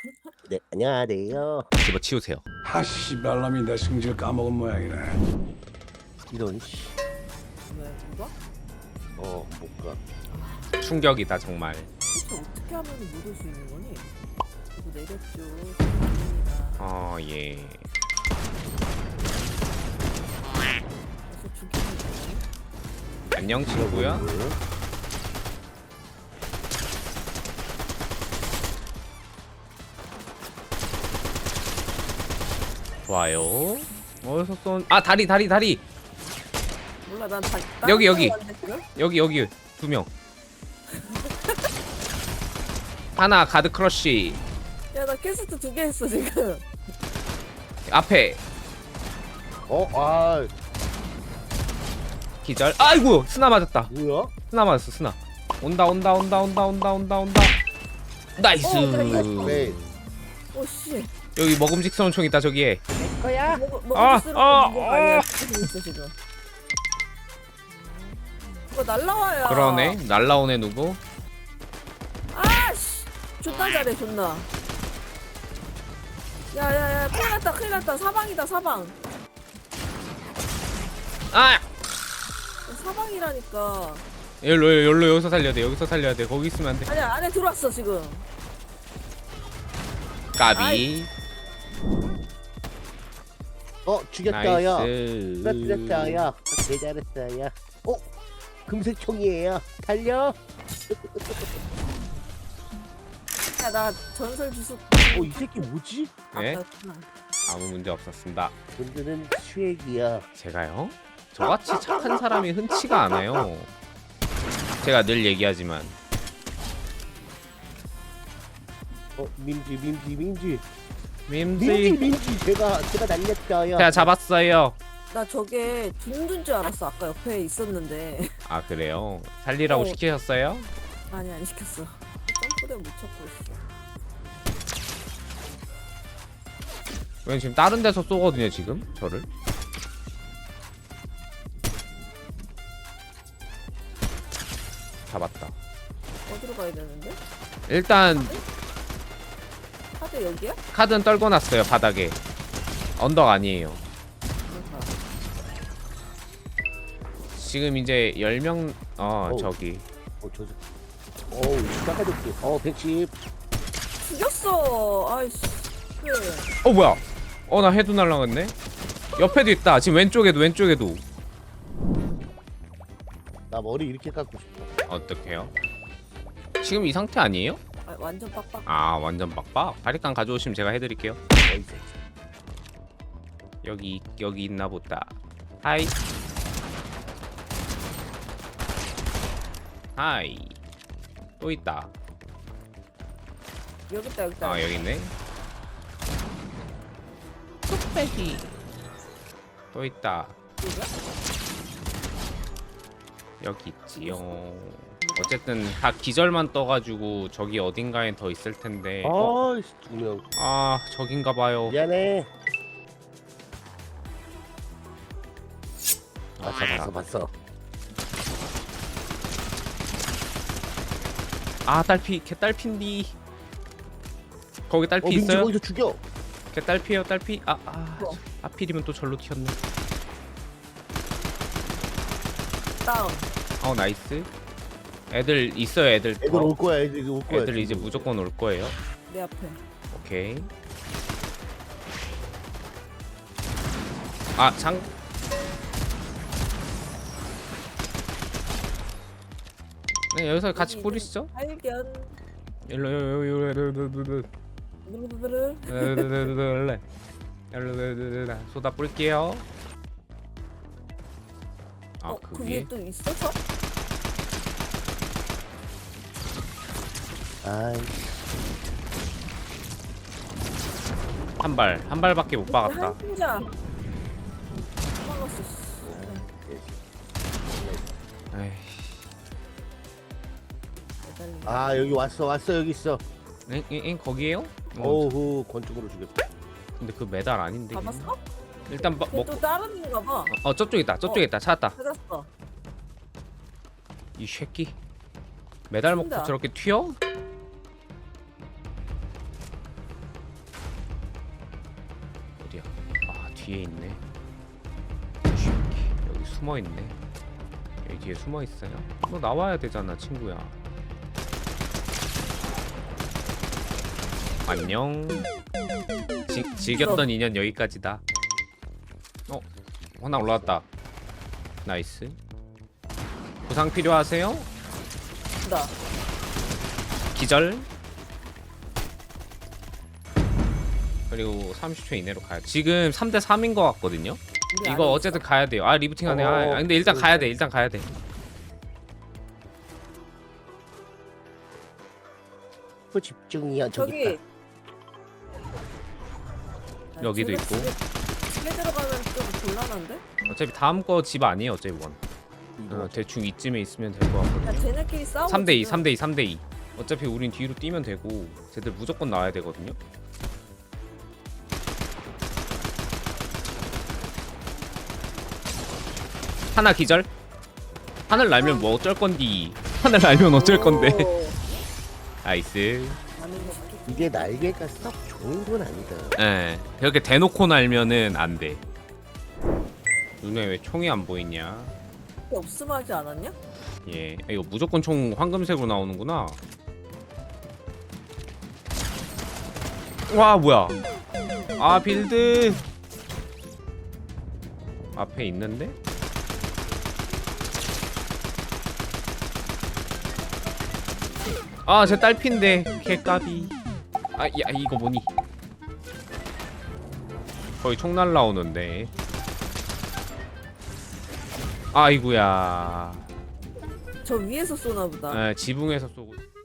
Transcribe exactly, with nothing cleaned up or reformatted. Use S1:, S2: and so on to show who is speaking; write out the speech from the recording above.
S1: 네, 안녕하세요.
S2: 집어치우세요.
S3: 하씨 말람이 내 승질 까먹은 모양이네.
S1: 이런 씨.
S4: 왜 이거?
S1: 어, 못 가.
S2: 충격이다 정말.
S4: 대체 어떻게 하면 못 올 수 있는 거니? 이거 내렸죠. 죄송합니다.
S2: 어 예.
S4: 그래서 죽이는 거니?
S2: 안녕 친구야.
S1: 뭐예요?
S2: 좋아요. 어디서 쏜? 아 다리 다리 다리.
S4: 몰라 난 다.
S2: 여기, 여기.
S4: 다른 데로 왔는데, 지금?
S2: 여기 여기 두 명. 하나 가드 크러쉬.
S4: 야, 나 캐스트 두 개 했어 지금.
S2: 앞에
S1: 어, 아,
S2: 기절. 아이고 스나 맞았다.
S1: 뭐야?
S2: 스나 맞았어 스나. 온다 온다 온다 온다 온다 온다 온다. 나이스.
S4: 어, 나 이거
S1: 네.
S4: 오 씨.
S2: 여기 먹음직스러운 총 있다 저기에.
S1: 거야?
S4: 먹어 먹어
S2: 아,
S4: 쓰는
S2: 아,
S4: 거
S2: 아.
S4: 아니야? 지금 있어 지금. 이거 날라와야.
S2: 그러네. 날라오네 누구?
S4: 아씨. 존나 잘해 존나. 야야야 큰일 났다 큰일 났다 사방이다 사방.
S2: 아!
S4: 사방이라니까.
S2: 열로 열로 여기서 살려야 돼. 여기서 살려야 돼. 거기 있으면 안 돼.
S4: 아니야 안에 들어왔어 지금.
S2: 까비.
S1: 어, 죽였어요.
S2: 나이스.
S1: 쓰러뜨렸어요. 개 잘했어요. 어, 금색 총이에요. 달려.
S4: 야 나 전설 주스.
S1: 어, 이 새끼 뭐지?
S2: 네?
S4: 아깝구나.
S2: 아무 문제 없었습니다.
S1: 분들은 수액이야.
S2: 제가요? 저같이 착한 사람이 흔치가 않아요. 제가 늘 얘기하지만
S1: 어, 민지, 민지, 민지. 민지,
S2: 밈지
S1: 민지. 제가, 제가 날렸어요.
S2: 제가 잡았어요.
S4: 나 저게 둥둔 줄 알았어 아까 옆에 있었는데.
S2: 아 그래요? 살리라고
S4: 어.
S2: 시키셨어요?
S4: 아니 안 시켰어. 점프대 못 찾고 있어.
S2: 왜 지금 다른 데서 쏘거든요 지금 저를? 잡았다.
S4: 어디로 가야 되는데?
S2: 일단
S4: 카드 여기야?
S2: 카드는 떨궈 놨어요 바닥에. 언덕 아니에요.
S4: 그러니까.
S2: 지금 이제 열 명 어
S1: 어우.
S2: 저기
S1: 어, 저, 어우, 깎아줬지. 어, 백십.
S4: 죽였어. 아이씨. 그래.
S2: 어 뭐야? 어 나 헤드 날라갔네. 옆에도 있다. 지금 왼쪽에도 왼쪽에도.
S1: 나 머리 이렇게 깎고 싶어.
S2: 어떡해요? 지금 이 상태 아니에요?
S4: 아, 완전 빡빡.
S2: 아 완전 빡빡. 바리깡 가져오시면 제가 해드릴게요.
S1: 어이, 새끼.
S2: 여기 여기 있나 보다. 하이. 하이. 또 있다.
S4: 여기 있다 여기 있다.
S2: 아 여기 있네. 뚝배기. 또 있다.
S4: 여기야?
S2: 여기 있지요. 어쨌든 다 기절만 떠가지고 저기 어딘가에 더 있을 텐데. 어?
S1: 아이씨, 두 명.
S2: 아 저긴가 봐요.
S1: 미안해. 봤어, 봤어, 봤어.
S2: 아 딸피 개딸피인디. 거기
S1: 어,
S2: 딸피
S1: 민지
S2: 있어요?
S1: 거기서 죽여.
S2: 개딸피에요 딸피. 아아 아,
S4: 뭐?
S2: 하필이면 또 절로 튀었네.
S4: 다운.
S2: 어 나이스. 애들 있어요 애들.
S1: 애들
S2: 어,
S1: 올 거야, 애들 올 거야.
S2: 애들 이제
S1: 지금.
S2: 무조건 올 거예요.
S4: 내 앞에.
S2: 오케이. 아 장. 네 여기서 같이
S4: 여기
S2: 뿌리시죠.
S4: 발견.
S2: 일로 일로 일로 일로 일로
S4: 누르르르.
S2: 일로 소다 뿌릴게요. 아
S4: 어, 그
S2: 그
S4: 위에
S2: 위에
S4: 또 있어서?
S1: 아이,
S2: 한 발, 한 발밖에 못 박았다.
S4: 한 진짜. 도망갔어.
S2: 에이,
S4: 매달리네.
S1: 아, 여기 왔어, 왔어, 여기 있어.
S2: 엥, 엥, 엥 거기에요? 어,
S1: 어후, 권총으로 죽였다.
S2: 근데 그 메달 아닌데.
S4: 잡았어?
S2: 일단 마,
S4: 걔
S2: 먹고.
S4: 또 다른 애인가 봐.
S2: 어 저쪽 있다, 저쪽
S4: 어.
S2: 있다, 찾았다.
S4: 찾았어.
S2: 이 새끼. 메달 먹고
S4: 튄다.
S2: 저렇게 튀어? 어디야? 아 뒤에 있네. 쥐, 여기 숨어 있네. 여기 뒤에 숨어 있어요. 너 나와야 되잖아, 친구야. 안녕. 지, 즐겼던 인연 여기까지다. 어, 하나 올라왔다. 나이스. 부상 필요하세요?
S4: 나.
S2: 기절. 그리고 삼십 초 이내로 가요. 지금 삼 대 삼인 것 같거든요.
S4: 우리 안에
S2: 이거 어쨌든 가야 돼요. 아 리부팅하네.
S1: 어,
S2: 아 근데 일단
S1: 그래,
S2: 가야
S1: 그래.
S2: 돼. 일단 가야 돼.
S1: 또 집중이야 저기
S4: 저기.
S1: 있다.
S4: 아,
S2: 여기도
S4: 쟤네
S2: 있고.
S4: 집에, 집에 들어가면 좀 곤란한데?
S2: 어차피 다음 거 집 아니에요. 어차피 원.
S1: 이거
S2: 어, 대충 이쯤에 있으면 될 것
S4: 야
S2: 같거든요.
S4: 쟤네끼리 싸우고
S2: 삼 대 이,
S4: 지금.
S2: 삼 대 이, 삼 대 이. 어차피 우린 뒤로 뛰면 되고 쟤들 무조건 나와야 되거든요. 하나 기절. 하늘 날면 뭐 어쩔 건디. 하늘 날면 어쩔 건데.
S4: 오,
S2: 나이스.
S4: 아는 거 같겠지.
S1: 이게 날개가 썩 좋은 건 아니다.
S2: 예. 그렇게 대놓고 날면은 안 돼. 눈에 왜 총이 안 보이냐?
S4: 없음 하지 않았냐?
S2: 예. 이거 무조건 총 황금색으로 나오는구나. 와, 뭐야? 아, 빌드. 앞에 있는데? 아, 제 딸핀데. 개까비. 아, 야, 이거 뭐니? 거의 총 날라오는데. 아이구야.
S4: 저 위에서 쏘나 보다.
S2: 에, 지붕에서 쏘고.